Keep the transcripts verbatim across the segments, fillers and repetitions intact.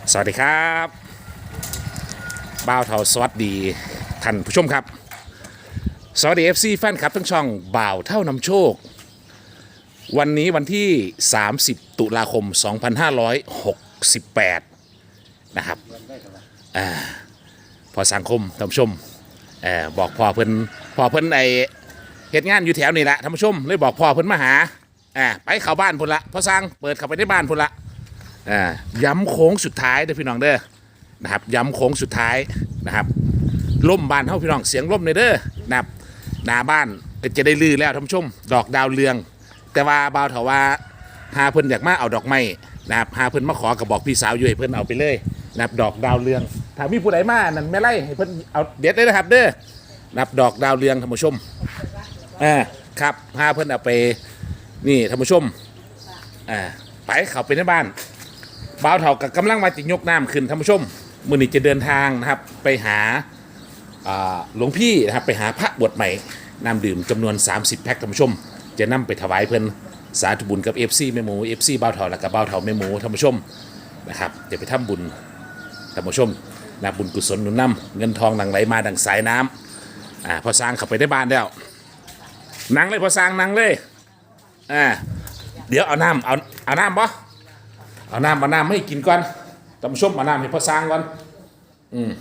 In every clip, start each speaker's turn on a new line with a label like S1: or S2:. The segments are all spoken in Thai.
S1: สวัสดีครับบ่าวเทาสวัสดีท่านผู้ชมครับสวัสดี เอฟ ซี แฟนคลับทั้งช่องบ่าวเท่านำโชควันนี้วันที่สามสิบตุลาคมสองพันห้าร้อยหกสิบแปดนะครับอ่าพอสังคมท่านผู้ชมเอ่อบอกพ่อเพิ่นพ่อเพิ่นไอเหตุงานอยู่แถวนี้แหละท่านผู้ชมเลยบอกพ่อเพิ่นมาหาอ่าไปเข้าบ้านพุ่นละพอสร้างเปิดเข้าไปในบ้านพุ่นละอ่าย้ำโค้งสุดท้ายเด้อพี่น้องเด้อนะครับย้ำโค้งสุดท้ายนะครับล่มบ้านเฮาพี่น้องเสียงล่มในเด้อนะครับหน้าบ้านก็จะได้ลือแล้วท่านผู้ชมดอกดาวเรืองแต่ว่าบ่าวเถาว่าหาเพิ่นอยากมาเอาดอกไม้นะครับหาเพิ่นมาขอกับบอกพี่สาวอยู่ให้เพิ่นเอาไปเลยนะครับดอกดาวเรืองถ้ามีผู้ใดมานั่นไม่ไล่ให้เพิ่นเอาเด็ดเลยนะครับเด้อนะครับดอกดาวเรืองท่านผู้ชมอ่าครับหาเพิ่นเอาไปนี่ท่านผู้ชมอ่าไปเข้าไปในบ้านบ่าวเถากับกำลังมาจิยกน้ำขึ้นท่านผู้ชมมื้อนี้จะเดินทางนะครับไปหาหลวงพี่นะครับไปหาพระบวชใหม่น้ำดื่มจำนวนสามสิบแพ็คท่านผู้ชมจะนำไปถวายเพิ่นสาธุบุญกับ เอฟ ซี แม่หมู เอฟ ซี บ่าวเถาและกับบ่าวเถาแม่หมูท่านผู้ชมนะครับจะไปทำบุญท่านผู้ชมนะบุญกุศลหนุนนำเงินทองหลั่งไหลมาดังสายน้ำอ่าพอสร้างเข้าไปได้บ้านแล้วนั่งเลยพอสร้างนั่งเลยอ่าเดี๋ยวเอาน้ำเอาเอาน้ำบ่เอาน้ำเอาน้ำให้กินก่อนท่านผู้ชมเอาน้ำให้พอสร้างก่อนอืม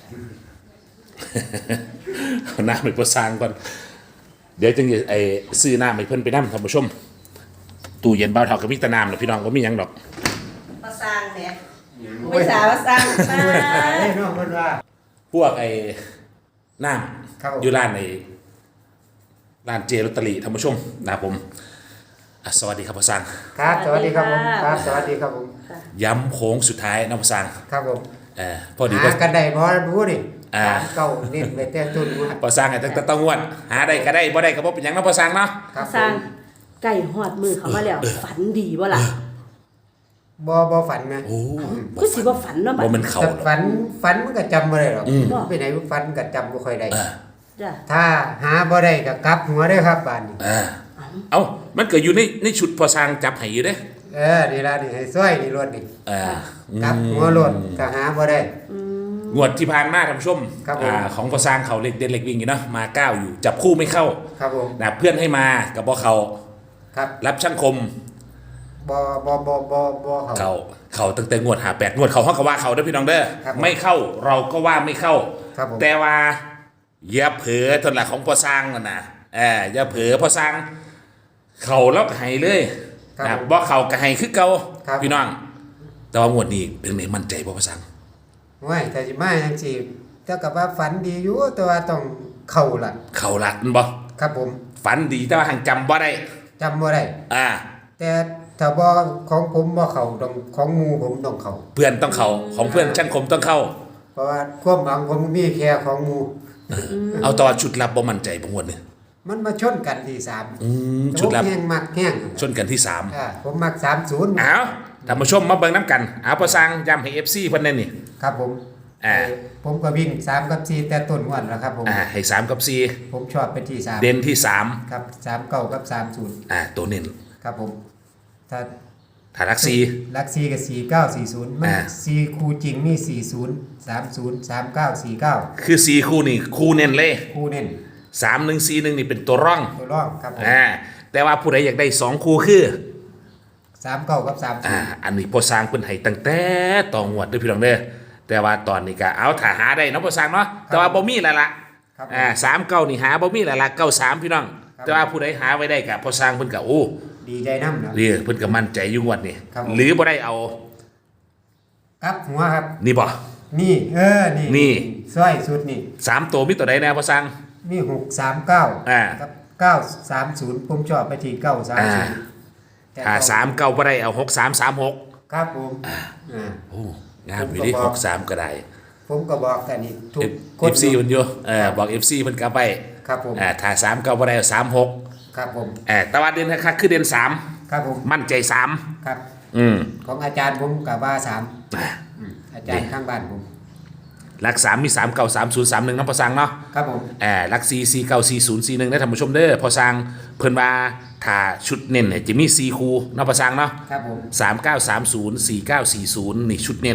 S1: เอาน้ำให้พอสร้างก่อนเดี๋ยวจึงจะไอ้ซื้อน้ำให้เพิ่นไปน้ำท่านผู้ชมตู้เย็นบ่าวเถากับมิตรน้ำหรอกพี่น้องก็มีหยังดอก
S2: มาสร้างเนี่ยไม่สาวมาสร้างสร้าง
S3: ไอ้น้องคนว่า
S1: พวกไอ้น้
S3: ครับผม
S1: ำอยู่ร้านในร้านเจลอตเตอรี่ท่านผู้ชมนะครับผมอ่ะสวัสดีครับพ่อสร้าง
S3: ครับสวัสดีครับผมครับสวัสดีครับผม
S1: ย้ำโค้งสุดท้ายนะพ่อสร้าง
S3: ครับผม
S1: เออพอดีก็
S3: หากันได้บ่รู้ดิ
S1: อ่า
S3: เก่าเน้นไปแต่ต้นว่า
S1: พ่อสร้างไอ้ตั้งแต่ต้องงวดหาได้ก็ได้บ่ได้ก็บ่เป็นหยังนะพ่อสร้างเนาะ
S3: ครับ
S2: สร้าง
S3: ผม
S2: ไก่หอดมือเขามาแล้วฝันดีบ่ล่ะ
S3: บ่บ่ฝันนะ
S1: โอ้
S2: คือสิบ่ฝันเนาะบัด
S1: บ่มันเข่า
S3: แต่
S1: หรอก
S3: ฝันฝันมันก็จำบ่ได้หรอก
S1: อืม
S3: ไปไหนฝันก็จำบ่ค่อยได้
S1: เออ
S2: จ้ะ
S3: ถ้าหาบ่ได้ก็กลับหัวเด้อครับบ้านนี้
S1: เออเอ้ามันเกิดอยู่ในในชุดพ่อสร้างจับให้อยู่เด้
S3: เออนี่ล่ะนี่ให้ซอยนี่รถนี่
S1: เออก
S3: ลับหัวรถก็หาบ่ได้
S1: งวดที่ผ่านมาท่านผู้ชม
S3: ครับผม
S1: อ่าของพ่อสร้างเขาเล็กเด็ดเล็กวิ่งอยู่เนาะมาเก้าอยู่จับคู่ไม่เข้า
S3: ครับผม
S1: นะเพื่อนให้มากับบ่เขา
S3: ครับ
S1: รับช่างคม
S3: บ่บ่บ่บ่บ่เขา
S1: เขาเขาตั้งแต่งวดหาแปดงวดเขาเขาก็ว่าเขาเด้อพี่น้องเด้อ
S3: ครับผม
S1: ไม่เข้าเราก็ว่าไม่เข้า
S3: ครับผม
S1: แต่ว่าอย่าเผลอทนละของพ่อสร้างนั่นนะเอออย่าเผลอพ่อสร้าง เขาแล้วก็ให้เลย
S3: ครับ
S1: นะ
S3: ผม
S1: บ่เขาก็ให้คือเก่า
S3: ครับ
S1: พี่น้อง แต่ว่างวดนี้เป็นไงมั่นใจบ่พ่อสร้าง
S3: โอ้ยแต่สิมาจังซี่แต่ก็ว่าฝันดีอยู่แต่ว่าต้องเข้าล่ะ
S1: เขาลัดมันบ่
S3: ครับผม
S1: ฝันดีแต่ว่าหังจำบ่ได้
S3: จำบ่ได้
S1: อ่า
S3: แต่ถ้าบ่ของผมบ่เข้าต้องของหมู่ผมต้องเข้า
S1: เพื่อนต้องเขาของเพื่อนช่างคมต้องเข้า
S3: เพราะว่าความหวังผมมีแค่ของหมู่
S1: เอาตอนชุดลับบ่มั่นใจบ่งวดนี่
S3: มันมาชนกันที่สาม
S1: อืมชุดลับ
S3: ผมแห้งมักแห้ง
S1: ชนกันที่สาม
S3: อ่าผมมักสามสิบ
S1: เอาท่านผู้ชมมาเบิ่งน้ำกันเอาพอสร้างย้ำให้ เอฟ ซี เพิ่นแน่นี่
S3: ครับผม
S1: อ่า
S3: ผมก็วิ่งสามกับสี่แต่ต้นวันแล้วครับผม
S1: อ่าให้สามกับสี่
S3: ผมชอบเป็นที่สาม
S1: เด่นที่สาม
S3: ครับสามเก้ากับสามศูนย์
S1: อ่าตัวเน้น
S3: ครับผมถ้า
S1: ถ้ารักสี่
S3: ลักสี่กับสี่เก้าสี่ศูนย์มัน
S1: อ่า
S3: สี่คู่จริงมีสี่ศูนย์สามศูนย์สามเก้าสี่เก้า
S1: คือสี่คู่นี่คู่เน้นเลย
S3: คู่เน้น
S1: สามหนึ่งสี่หนึ่งนี่เป็นตัวร่อง
S3: ตัวร่องครับผม
S1: อ่าแต่ว่าผู้ใดอยากได้สองคู่คือ
S3: สามเก้ากับสามศู
S1: อ่าน
S3: ย์
S1: อันนี้พอสร้างเพิ่นให้ตั้งแต่ต่องวดเด้อพี่น้องเด้อแต่ว่าตอนนี้ก็เอาถ้าหาได้เนาะพอสร้างเนาะแต่ว่าบ่มีแล้วล่ะ
S3: ครับ
S1: อ่าสามเก้านี่หาบ่มีแล้วล่ะเก้าสามพี่น้อง
S3: ครับ
S1: แต่ว่าผู้ใดหาไว้ได้ก็พอสร้างเพิ่นก็โอ้
S3: ดีใจน้ำนะ
S1: เรียเพิ่นก็มั่นใจอยู่งวดนี่
S3: ครับผม
S1: หรือบ่ได้เอา
S3: ครับหัวครับ
S1: นี่บ่
S3: นี่เออนี่
S1: นี่
S3: สร้อยสุดนี่
S1: สามตัวมีตัวใดแน่พอสร้าง
S3: มีหกสามเก้า
S1: อ่า
S3: กับเก้าสามศูนย์ผมชอบไปที่เก้าสาม
S1: อ่า
S3: ศูนย์
S1: ถ้าสามเก้าบ่ได้เอาหกสามสามหก
S3: ครับผมอ่า
S1: โอ้งามอยู่ที่
S3: ผมก็
S1: ห
S3: บอก
S1: กสามก็ได้
S3: ผมก็บอกกันนี่ทุก
S1: เอฟซีเพิ่นอยู่เออบอก เอฟ ซี เพิ่นก็ไป
S3: ครับผม
S1: อ่าถ้าสามเก้าบ่ได้เอาสามหก
S3: ครับผม
S1: เออแต่ว่าเด่นคักๆคือเด่นสาม
S3: ครับผม
S1: มั่นใจสาม
S3: ครับ
S1: อืม
S3: ของอาจารย์ผมกับว่าสาม
S1: อ่า
S3: อืมอาจารย์ข้างบ้านผม
S1: หลักสามมีสามเก้าสามศูนย์สามหนึ่งนะพอสร้างเนาะ
S3: ครับผม
S1: เออหลักสี่สี่เก้าสี่ศูนย์สี่หนึ่งนะท่านผู้ชมเด้อพอสร้างเพิ่นว่าถ้าชุดเน้นเนี่ยจะมีสี่คู่เนาะพอสร้างเนาะ
S3: ครับผม
S1: สามเก้าสามศูนย์สี่เก้าสี่ศูนย์นี่ชุดเน้น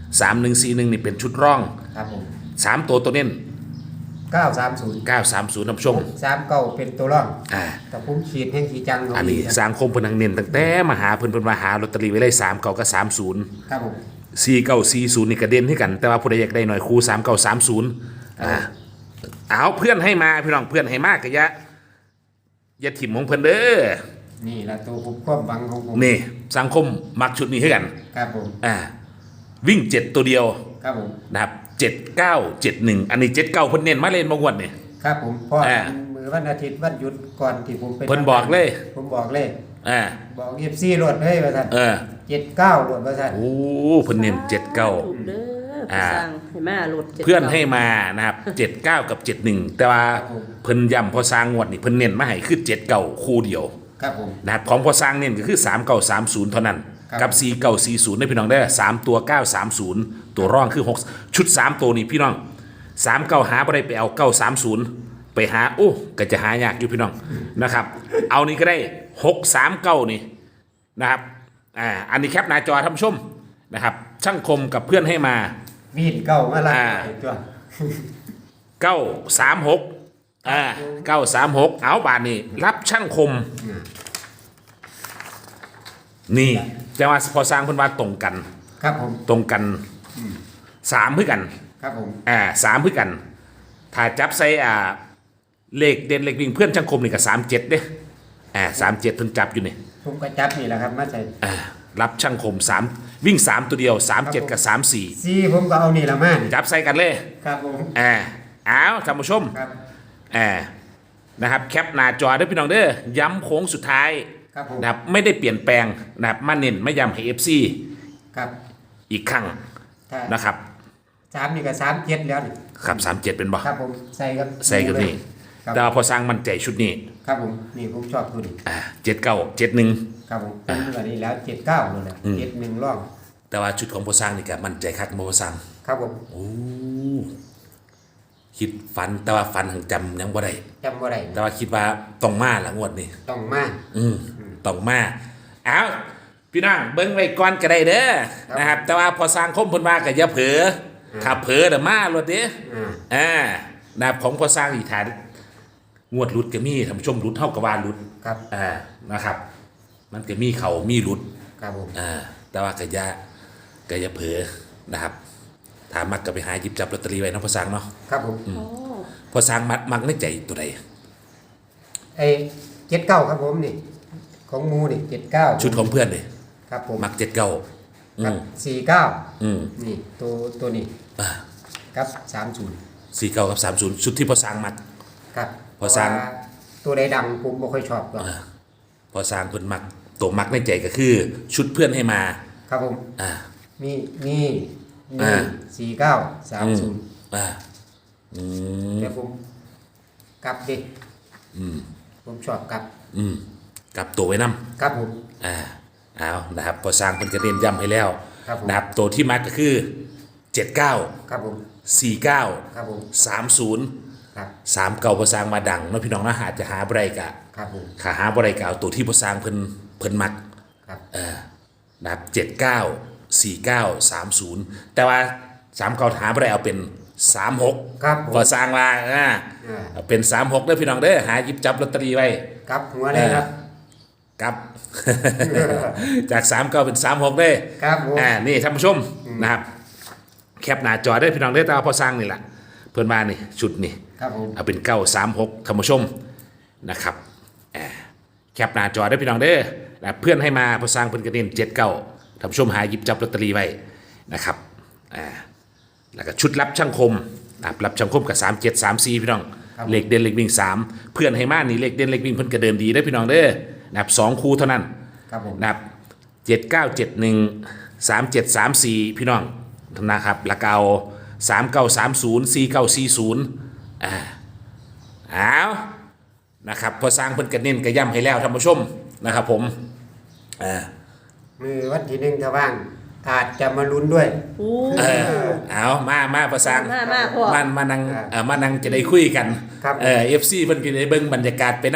S1: สามหนึ่งสี่หนึ่งนี่เป็นชุดร่อง
S3: ครับผม
S1: สามตัวตัวเน้น
S3: เก้าสามศูนย์
S1: เก้าสามศูนย์ท่านผู้ชม
S3: สามเก้าเป็นตัวร่อง
S1: อ่า
S3: แต่ผมขีดแห่งขีจัง
S1: อันนี้สร้างคมเพนังเน้นตั้งแต่มาหาเพิ่นเพิ่นมาหาลอตเตอรี่ไว้เลยสามเก้ากับสามศูนย์
S3: ครับผม
S1: สี่เก้าสี่ศูนย์นี่กระเด็นให้กัน แต่ว่าผู้ใดอยากได้หน่อยครูสามเก้าสามศูนย์อ่าเอาเพื่อนให้มาพี่น้องเพื่อนให้มากกะยะอย่าถิ่มของเพิ่นเด้อ
S3: นี่ละตัวผมความหวังของผม
S1: นี่สังคมมักชุดนี้ให้กัน
S3: ครับผม
S1: อ่าวิ่งเจ็ดตัวเดียว
S3: ครับผม
S1: นะครับเจ็ดเก้าเจ็ดหนึ่งอันนี้เจ็ดเก้าเพิ่นเน้นมาเล่นมางวดนี่
S3: ครับผมเพราะ
S1: อ่า
S3: มือวันอาทิตย์วันหยุดก่อนที่ผมไป
S1: เพิ่นบอกเลย
S3: ผมบอกเลย
S1: อ่า
S3: บอกเอฟซีรถเฮ้ยว่าท่าน
S1: เออ
S3: เจ็ดเก้ารถว่าท่าน
S1: โอ้เพิ่นเน้นเจ็ดเก้า
S2: ถูกเด้อผู้สร้างให้มาหลุดจ็ด
S1: เพื่อนให้มานะครับเจ็ดเก้ากับเจ็ดหนึ่งแต่ว่าเพิ่นย้ำพอสร้างงวดนี่เพิ่นเน้นมาให้คือเจ็ดเก้าคู่เดียว
S3: ครับผม
S1: นะครับของพอสร้างเน้นก็คือสามเก้าสามศูนย์เท่านั้น
S3: ครับ
S1: กับสี่เก้าสี่ศูนย์ได้พี่น้องได้สามตัวเก้าสามศูนย์ตัวร่องคือหกชุดสามตัวนี่พี่น้องสามเก้าหาบ่ได้ไปเอาเก้าสามศูนย์ไปหาโอ้ก็จะหายากอยู่พี่น้องนะครับ เอานี่ก็ได้หกสามเก้านี่นะครับอ่าอันนี้แคปหน้าจอท่านผู้ชมนะครับ ช่างคมกับเพื่อนให้มา
S3: วีนเก้ามาละ
S1: อ่า
S3: ตัว
S1: เก้าสามหกอ่าเก้าสามหกเอาบาทนี่รับช่างคม นี่จะว่าพอสร้างเพิ่นว่าตรงกัน
S3: ครับผม
S1: ตรงกันสามเพื่อกัน
S3: ครับผม
S1: อ่าสามเพื่อกัน ถ้าจับใส่อ่าเลขเด่นเลขวิ่งเพื่อนช่างคมนี่ก็สามเจ็ดเด้อ่าสามเจ็ดเพิ่นจับอยู่นี่
S3: ผมก็จับนี่แหละครับมาใส่
S1: อ่ารับช่างคมสามวิ่งสามตัวเดียวสามเจ็ดกับสามสี่
S3: ซีผมก็เอานี่ละมานี่
S1: จับใส่กันเลย
S3: ครับผม
S1: อ่าเอาท่านผู้ชม
S3: ครับ
S1: อ่านะครับแคปหน้าจอเด้อพี่น้องเด้อย้ำโค้งสุดท้าย
S3: ครับผม
S1: นะครับไม่ได้เปลี่ยนแปลงนะครับมาเน้นไม่ย้ำให้ เอฟ ซี
S3: ครับ
S1: อีกครั้ง
S3: ถ้า
S1: นะครับ
S3: สามนี่ก็สามเจ็ดแล้วนี่
S1: ครับสามเจ็ดเป็นบ่
S3: ครับผมใส่ครับ
S1: ใส่กับนี่
S3: ครับ
S1: แต่ว่าพอสร้างมั่นใจชุดนี้
S3: ครับผมนี่ผมชอบตัวนี้
S1: อ่าเจ็ดเก้าเจ็ดหนึ่ง
S3: ครับผมเป็นแบบนี้แล้วเจ็ดเก้าเลยแหละเจ็ดหนึ่งร่อง
S1: แต่ว่าชุดของพอสร้างนี่ก็มั่นใจคักบ่พอสร้าง
S3: ครับผม
S1: โอ้คิดฝันแต่ว่าฝันหังจำยังบ่ได้
S3: จำว่าไร
S1: แต่ว่าคิดว่าต้องมาละงวดนี้
S3: ต้องมา
S1: อืมต้องมาเอาพี่น้องเบิ้งไว้ก่อนก็ได้เด้อนะครับ แต่ว่าพอสร้างคมเพิ่นว่าก็อย่าเผลอถ้าเผลอเดี๋ยวมาโลดเด้
S3: อ่า
S1: อ่านะครับของพอสร้างอีกฐานงวดหลุดก็มีท่านผู้ชมหลุดเท่ากับว่าหลุด
S3: ครับ
S1: อ่านะครับ มันก็มีเขามีหลุด
S3: ครับผม
S1: อ่าแต่ว่าก็อย่าก็อย่าเผลอนะครับถามมักก็ไปหาหยิบจับลอตเตอรี่ไว้เนาะพอสร้างเนาะ
S3: ครับผม
S2: โอ้
S1: พอสร้างมักมักในใจตัวใด
S3: ไอ้เจ็ดเก้าครับผมนี่ของหมูนี่เจ็ดเก้า
S1: ชุดของเพื่อนเลย
S3: ครับผม
S1: มักเจ็ดเก้าอื
S3: ครับ
S1: ม
S3: สี่เก้า
S1: อืม
S3: นี่ตัวตัวนี้
S1: อ่า
S3: ครับสามศูนย์
S1: สี่เก้ากับสามศูนย์ชุดที่พอสร้างมัก
S3: ครับ
S1: พอสร้าง
S3: เพะว่ตัวใดดังผมไม่ค่อยชอบหรอก
S1: อ่าพอสร้างเพิ่นมักตัวมักในใจก็คือ ชุดเพื่อนให้มา
S3: ครับผม
S1: อ่า
S3: มีนี่
S1: อ่า
S3: นี่สี่เก้าสาม
S1: อืม
S3: ศูนย์
S1: อ่าอืม
S3: เดี๋ยวผมกลับดิ
S1: อืม
S3: ผมชอบกลับ
S1: อืมกลับตัวไว้นํ
S3: ครับผม
S1: อ่าเอานะครับพอสร้างเพิ่นก็เน้นย้ำให้แล้ว
S3: ครับผม
S1: นะครับตัวที่มักก็คือเจ็ดเก้า
S3: ครับผม
S1: สี่เก้า
S3: ครับผม
S1: สามศูนย์
S3: ครับ
S1: สามเก้าพอสร้างมาดังเนาะพี่น้องนะหาจะหาบ่ได้กะ
S3: ครับผม
S1: ขาหาบ่ได้กะเอาตัวที่พอสร้างเพิ่นเพิ่นมัก
S3: ครับ
S1: เออนะครับเจ็ดเก้าสี่เก้าสามศูนย์แต่ว่าสามเก้าหาบ่ได้เอาเป็นสามหก
S3: ครับผม
S1: พอสร้างว่าอ่า
S3: อ่า
S1: เอาเป็นสามหกเด้อพี่น้องเด้อหาหยิบจับลอตเตอรี่ไว้
S3: กลับหัวเลยครับ
S1: ครับ จากสามเก้าเป็นสามหกเด้อ
S3: ครับผม
S1: อ่านี่ท่านผู้ชมนะครับแคปหน้าจอได้อพี่น้องเด้อแต่ว่าพอสร้างนี่แหละเพิ่นมานี่ชุดนี่
S3: ครับผม
S1: เอาเป็นเก้าสามหกท่านผู้ชมนะครับอ่าแคปหน้าจอได้อพี่น้องเด้อนะเพื่อนให้มาพอสร้างเพิ่นกระเด็นเจ็ดเก้าท่านผู้ชมหาหยิบจับลอตเตอรี่ไว้นะครับอ่าแล้วก็ชุดรับช่างคมนะครับรับช่างคมกับสามเจ็ดสามสี่พี่น้องเลขเด่นเลขวิ่งสามเพื่อนให้มานี่เลขเด่นเลขวิ่งเพิ่นก็เดินดีได้อพี่น้องเด้อนะครับสองคู่เท่านั้น
S3: ครับผม
S1: นะครับเจ็ดเก้าเจ็ดหนึ่งสามเจ็ดสามสี่พี่น้องนะครับแล้วก็เอาสามเก้าสามศูนย์สี่เก้าสี่ศูนย์อ่าเอานะครับพอสร้างเพิ่นกระเน้นกระย่ำให้แล้วท่านผู้ชมนะครับผมอ่า
S3: มือวันที่หนึ่งถ้าว่างอาจจะมาลุ้นด้วย
S2: โอ้
S1: เออเอามามาพอสร้าง
S2: มามาพ่อ
S1: มามานั่ง
S3: ครับ
S1: เอ่อมานั่งจะได้คุยกัน
S3: ครับ
S1: เออเอฟซีเพิ่นก็ได้เบิ่งบรรยากาศไปนํ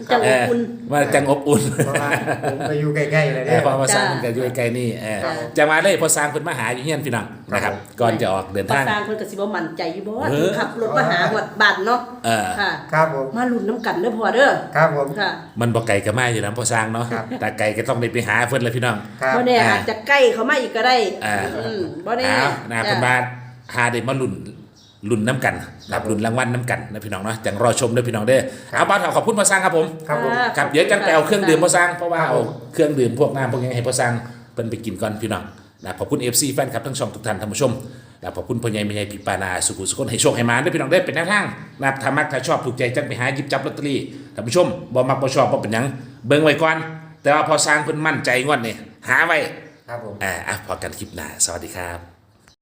S2: จัง
S1: เอ
S2: อบ
S1: อ
S2: อุ่น
S1: ว่าจังอบอุ่น
S3: เพราะว่าผมไปอยู่ใกล้ๆเลย
S1: เอ
S3: เนี่
S1: อย พอมาสร้างมันก็อยู่ใกล้ๆนี่เออ
S2: จ้ะ
S1: จะมาเลยพอสร้างเพิ่นมาหาอยู่เฮียนพี่น้องนะครับ ก่อนจะออกเดิน
S2: ภา
S1: ทาง
S2: ษาเพิ่นก็สิบ่มั่นใจอยู่บ่ว่า
S1: เออ
S2: ขับรถมาหาหมดบ้านเนาะ
S1: เออ
S2: ค่ะ
S3: ครับผม
S2: มาลุ้นน้ำกันเด้อพ่อเด้อ
S3: ครับผม
S2: ค่ะ
S1: มันบ่ไกลก็มาอยู่นะพอสร้างเนาะ
S3: ครับ
S1: แต่ไกลก็ต้องได้ไปหาเพิ่นเลยพี่น้อง
S3: ครับ
S2: บ่แน่
S1: อ่า
S2: อาจจะใกล้เขามาอีกก็ได้
S1: อ่า
S2: อืมบ่แน่
S1: เอานะ
S2: จ้ะ
S1: เพิ่นมาหาได้มาลุ้นลุ้นน้ำกันรับลุ้นรางวัลน้ำกันนะพี่น้องเนาะจังรอชมเด้อพี่น้องเด้อเอาบ่าวเฒ่าขอบคุณพอสร้างครับผม
S3: ครับผม
S1: ครับเดี๋ยวจังไปเอาเครื่องดื่มพอสร้างเพราะว่า
S3: ครับ
S1: เอา
S3: ผม
S1: เครื่องดื่มพวกน้ำพวกนี้ให้พอสร้างเพิ่นไปกินก่อนพี่น้องนะขอบคุณ เอฟ ซี แฟนคลับทั้งช่องทุกท่านท่านผู้ชมนะขอบคุณพ่อใหญ่แม่ใหญ่พี่ปานาสุขุสุขนให้โชคให้มาด้วยพี่น้องได้อเป็นแนวทางนะครับถ้ามักถ้าชอบถูกใจจังไปหาหยิบจับลอตเตอรี่ท่านผู้ชมบ่มักบ่ชอบบ่เป็นหยังเบิ่งไว้ก่อน แต่ว่าพอสร้างเพิ่นมั่นใจงวดนี่หาไว้
S3: ครับผม
S1: อ่าอ่ะพอกันคลิปหน้าสวัสดีครับ